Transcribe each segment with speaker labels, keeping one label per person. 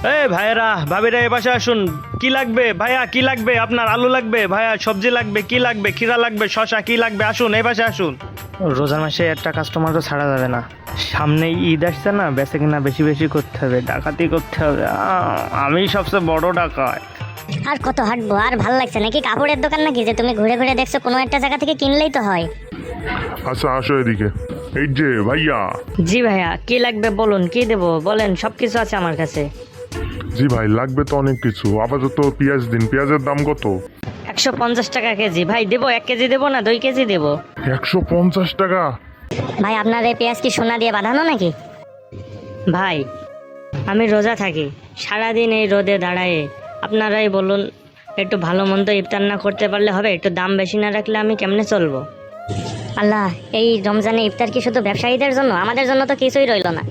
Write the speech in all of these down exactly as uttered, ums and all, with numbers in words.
Speaker 1: এই ভাইয়েরা ভাবিরা এ পাশে আসুন। কি লাগবে ভাইয়া? কি লাগবে আপনার? আলু লাগবে ভাইয়া? সবজি লাগবে? কি লাগবে? খিরা লাগবে? শশা কি লাগবে? আসুন এই পাশে আসুন। রোজার মাসে একটা কাস্টমারও ছাড়া যাবে না। সামনে ঈদ আসছে না, বেচে কিনা বেশি বেশি করতে হবে, ডাকাতি করতে হবে। আ- আমি সবচেয়ে বড় ডাকাত।
Speaker 2: আর কত হাঁটবো? আর ভাল লাগছে নাকি? কাপড়ের দোকান নাকি যে তুমি ঘুরে ঘুরে দেখছো? কোনো একটা জায়গা থেকে কিনলেই তো হয়।
Speaker 3: আচ্ছা আসো এদিকে। এই যে ভাইয়া।
Speaker 4: জি ভাইয়া, কি লাগবে বলুন, কি দেবো বলেন, সব কিছু আছে আমার কাছে।
Speaker 3: জি ভাই, লাগবে তো অনেক কিছু। আপাতত পেঁয়াজ দিন। পেঁয়াজের দাম কত?
Speaker 4: একশো পঞ্চাশ টাকা কেজি। ভাই দেবো? এক কেজি দেবো না দুই কেজি দেবো?
Speaker 3: একশো পঞ্চাশ টাকা?
Speaker 2: ভাই আপনার এই পেঁয়াজ কি সোনা দিয়ে বাঁধানো নাকি?
Speaker 4: ভাই আমি রোজা থাকি, সারাদিন এই রোদে দাঁড়ায়ে। আপনারাই বলুন, একটু ভালো মন্দ ইফতার না করতে পারলে হবে? একটু দাম বেশি না রাখলে আমি কেমনে চলবো?
Speaker 2: আল্লাহ, এই রমজানে ইফতার কি শুধু ব্যবসায়ীদের জন্য? আমাদের জন্য তো কিছুই রইলো না।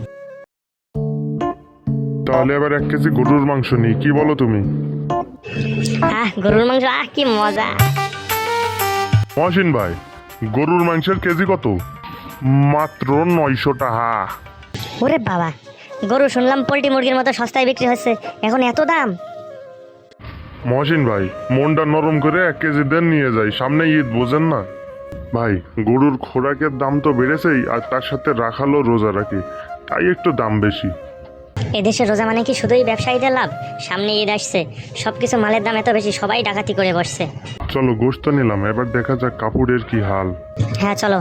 Speaker 3: তাহলে এবার এক কেজি গরুর মাংস নিই, কি বলো তুমি?
Speaker 2: আহ গরুর মাংস, আহ কি মজা।
Speaker 3: মহসিন ভাই, গরুর মাংসের কেজি কত? মাত্র নয়শো টাকা।
Speaker 2: ওরে বাবা, গরু শুনলাম পোল্ট্রি মুরগির মতো সস্তায় বিক্রি হচ্ছে, এখন এত দাম?
Speaker 3: মহসিন ভাই, মনটা নরম করে এক কেজি দেন, নিয়ে যাই। সামনে ঈদ, বোঝেন না ভাই? গরুর খোরাকের দাম তো বেড়েছেই, আর তার সাথে রাখালো রোজা রাখি, তাই একটু দাম বেশি।
Speaker 2: এদেশে রোজা মানে কি শুধুই ব্যবসায়ীদের লাভ? সামনে ঈদ আসছে, সবকিছু মালের দাম এত বেশি, সবাই ডাকাতি করে বসছে।
Speaker 3: চলো গোশত নিলাম, এবার দেখা যাক কাপড়ের কি হাল।
Speaker 2: হ্যাঁ চলো।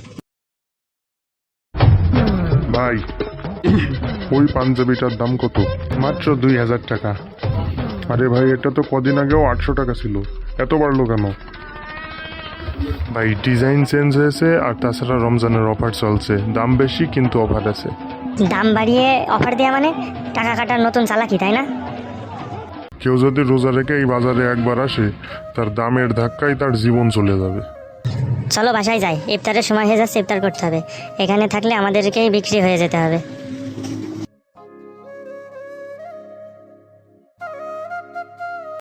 Speaker 3: ভাই, ওই পাঞ্জাবিটার দাম কত? মাত্র দুই হাজার টাকা। আরে ভাই, এটা তো কদিন আগেও আটশো টাকা ছিল, এত বাড়লো কেন? ভাই ডিজাইন চেঞ্জ হয়েছে, আর তাছাড়া রমজানের অফার চলছে, দাম বেশি কিন্তু অফার আছে।
Speaker 2: দাম বাড়িয়ে অফার দেওয়া মানে টাকা কাটার নতুন চালাকি, তাই না?
Speaker 3: কেউ যদি রোজা রেখে এই বাজারে একবার আসে, তার দামের ধাক্কায় তার জীবন চলে যাবে।
Speaker 2: চলো বাসায় যাই, ইফতারের সময় হয়ে যাচ্ছে, ইফতার করতে হবে। এখানে থাকলে আমাদেরকেই বিক্রি হয়ে যেতে হবে।